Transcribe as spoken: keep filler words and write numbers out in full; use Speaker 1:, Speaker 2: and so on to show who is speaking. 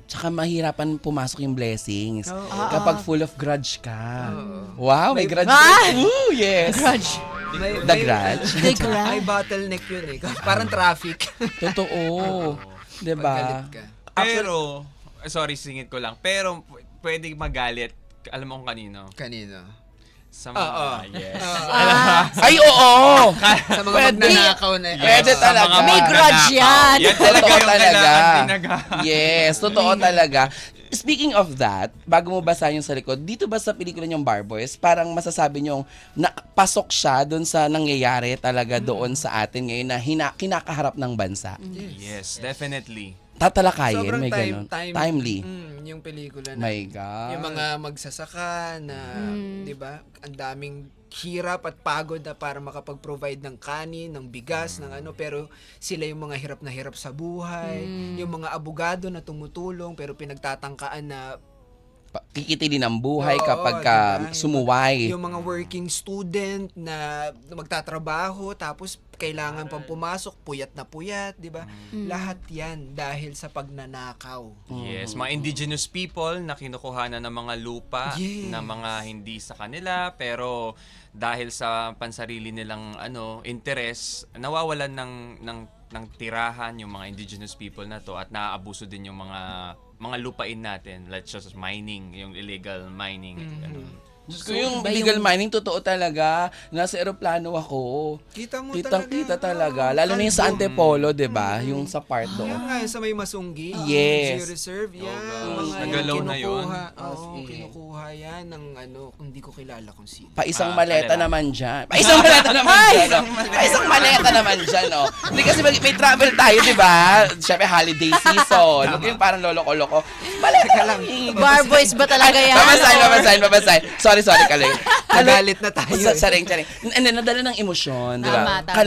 Speaker 1: Tsaka mahirapan pumasok yung blessings.
Speaker 2: Oo.
Speaker 1: Kapag full of grudge ka.
Speaker 2: Oo.
Speaker 1: Wow, may
Speaker 2: May-
Speaker 1: grudge.
Speaker 3: Ah!
Speaker 1: Ooh, yes.
Speaker 3: Grudge.
Speaker 2: May,
Speaker 1: The
Speaker 2: may-
Speaker 1: grudge.
Speaker 3: The grudge.
Speaker 2: Ay, bottleneck yun eh. Parang traffic.
Speaker 1: Totoo. Diba?
Speaker 2: Paggalit ka.
Speaker 4: Pero, sorry, singit ko lang. Pero, p- pwede magalit. Alam mo kung kanino?
Speaker 2: Kanino?
Speaker 4: Sa
Speaker 2: Oo.
Speaker 4: mga, yes.
Speaker 3: Ah,
Speaker 1: Ay, oo!
Speaker 2: Sa mga
Speaker 1: Pwede.
Speaker 2: magnanakaw na.
Speaker 4: Yes,
Speaker 1: Pwede
Speaker 4: sa
Speaker 1: talaga.
Speaker 4: mga
Speaker 3: May grudge
Speaker 4: magnanakaw.
Speaker 3: yan.
Speaker 4: Yan talaga
Speaker 1: Totoo
Speaker 4: yung
Speaker 1: talaga.
Speaker 4: kailangan tinaga.
Speaker 1: Yes, totoo talaga. Speaking of that, bago mo basa yung sa likod, dito ba sa pelikula niyong Barboys, parang masasabi niyong napasok siya doon sa nangyayari talaga doon sa atin ngayon na hina, kinakaharap ng bansa.
Speaker 4: Yes, definitely.
Speaker 1: Tatalakayin,
Speaker 2: Sobrang
Speaker 1: may
Speaker 2: time,
Speaker 1: ganun.
Speaker 2: time,
Speaker 1: Timely.
Speaker 2: Mm, yung pelikula na.
Speaker 1: My God.
Speaker 2: Yung mga magsasaka na, di ba, ang daming hirap at pagod na para makapag-provide ng kanin, ng bigas, ng ano, pero sila yung mga hirap na hirap sa buhay, yung mga abogado na tumutulong pero pinagtatangkaan na
Speaker 1: Pa- Kikitilin ang buhay
Speaker 2: Oo,
Speaker 1: kapag ka
Speaker 2: diba?
Speaker 1: sumuway.
Speaker 2: yung mga working student na magtatrabaho tapos kailangan pang pumasok, puyat na puyat, di ba? Lahat yan dahil sa pagnanakaw.
Speaker 4: Yes, mga indigenous people na kinukuhanan ng mga lupa
Speaker 2: Yes.
Speaker 4: na mga hindi sa kanila pero dahil sa pansarili nilang ano interest nawawalan ng ng ng tirahan yung mga indigenous people na to at naaabuso din yung mga mga lupain natin, let's just mining, yung illegal mining. ganun.
Speaker 1: Diyos ko, yung illegal mining, totoo talaga. Nasa eroplano ako.
Speaker 2: Kita mo
Speaker 1: Kitang
Speaker 2: talaga.
Speaker 1: kita talaga.
Speaker 2: Oo,
Speaker 1: Lalo na yung sa
Speaker 2: kalbo.
Speaker 1: Antipolo, di ba? Yung sa part
Speaker 2: Yan
Speaker 1: doon.
Speaker 2: nga, yung sa may Masunggi.
Speaker 1: Yes.
Speaker 2: Zoo Reserve, yan.
Speaker 4: Oh,
Speaker 2: mga
Speaker 4: nagalaw na yun.
Speaker 2: kinukuha.
Speaker 1: As
Speaker 2: Oo,
Speaker 1: in.
Speaker 2: kinukuha yan ng ano, hindi ko kilala kung sino.
Speaker 1: Pa isang
Speaker 4: Ah,
Speaker 1: maleta
Speaker 4: kanila.
Speaker 1: naman dyan. Pa isang maleta naman dyan. no? Pa isang maleta naman dyan, no? Hindi kasi mag- may travel tayo, di ba? Siyempre, holiday season. Huwag yung parang loloko-loko. Maleta lang.
Speaker 3: Barboys ba talaga yan?
Speaker 1: Babasahin, babasahin, babasahin. Sorry, sorry, Kaloy.
Speaker 2: Nagalit na tayo.
Speaker 1: Sa,
Speaker 2: eh.
Speaker 1: saring, saring. And then, nadala ng emosyon, di ba?
Speaker 3: Tama, tama.